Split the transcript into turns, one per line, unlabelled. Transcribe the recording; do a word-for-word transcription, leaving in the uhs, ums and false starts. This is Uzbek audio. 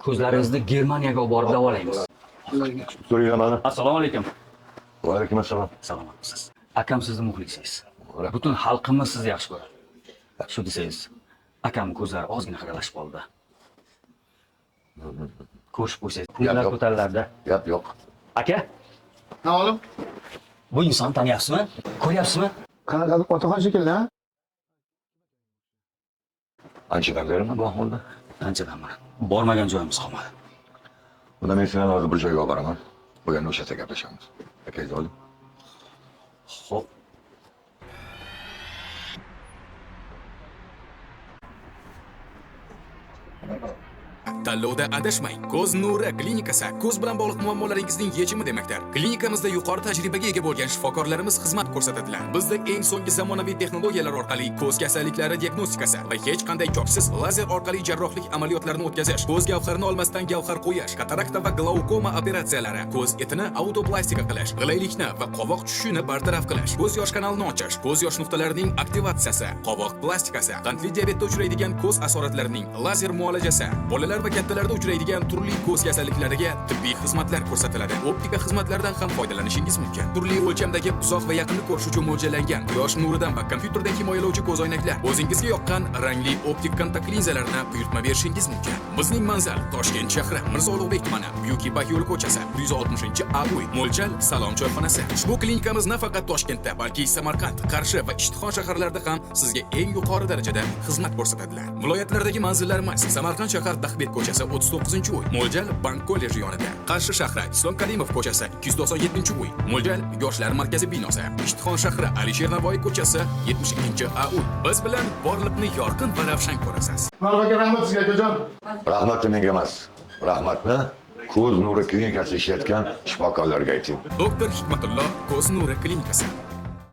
Ko'zlaringizni Germaniyaga olib borib davolaymiz.
So'rayman.
Assalomu alaykum.
Va alaykum assalom.
Salomatsiz. Akam sizni muxlisingiz. Butun xalqimiz sizni yaxshi ko'radi. Shu desangiz, akam ko'zlari ozgina xiralashib qoldi. Ko'rishib qo'ysangiz, pullar ko'tarilarda.
Gap yo'q.
Aka,
Ha oğlum?
bu inson taniyapsizmi? Ko'ryapsizmi?
Qanaqa otaxon shekilli, ha?
Anchadan berimi bu ahvolda?
Anchadan beri bormagan joyimiz qolmadi.
Bunda men seni hozir bir joyga olib boraman. Bo'lganda o'sha yerda gaplashamiz. Akangizni oling.
Xo'p.
Tanlovda adashmang. Ko'z nuri klinikasi ko'z bilan bog'liq muammolaringizning yechimi demakdir. Klinikamizda yuqori tajribaga ega bo'lgan shifokorlarimiz xizmat ko'rsatadilar. Bizda eng so'nggi zamonaviy texnologiyalar orqali ko'z kasalliklari diagnostikasi va hech qanday chopsiz lazer orqali jarrohlik amaliyotlarini o'tkazish, ko'z gavharini olmasdan gavhar qo'yish, katarakta va glaukoma operatsiyalari, ko'z etini autoplastika qilish, g'ilaylikni va qovoq tushishini bartaraf qilish, ko'z yosh kanalini ochish, ko'z yosh nuqtalarining aktivatsiyasi, qovoq plastikasi, qandli diabetda uchraydigan ko'z asoratlarining lazer muolajasi, bolalar va kattalarda uchraydigan turli ko'z kasalliklariga tibbiy xizmatlar ko'rsatiladi. Optika xizmatlaridan ham foydalanishingiz mumkin. Turli o'lchamdagi uzoq va yaqinni ko'rish uchun mo'ljallangan quyosh nuridan va kompyuterdan himoyalovchi ko'z oynaklar, o'zingizga yoqqan rangli optik kontakt linzalarni buyurtma berishingiz mumkin. Bizning manzil Toshkent shahri, Mirzo Ulug'bek tumani, Buyuk Ipak yo'li ko'chasi, bir yuz oltmishinchi A uy, mo'ljal Salom choyxonasi. Ushbu klinikamiz nafaqat Toshkentda, balki Samarqand, Qarshi va Ishtixon shaharlarida ham sizga eng yuqori darajada xizmat ko'rsatadilar. Viloyatlardagi manzillarimiz Samarqand shahar Dahbet ko'chasi o'ttiz to'qqizinchi uy, mo'ljal Bank kolleji yonida. Qarshi shahri Islom Karimov ko'chasi ikki yuz to'qson yettinchi uy, mo'ljal Yoshlar markazi binosi. Ishtixon shahri Alisher Navoiy ko'chasi yetmish ikkinchi A uy. Biz bilan borliqni yorqin va ravshan ko'rasiz.
Marhamat, rahmat sizga akajon.
Rahmat menga emas. Rahmatni ko'z nuri klinikasi ishlayotgan shifokorlarga ayting.
Doktor Hikmatulloh ko'z nuri klinikasi.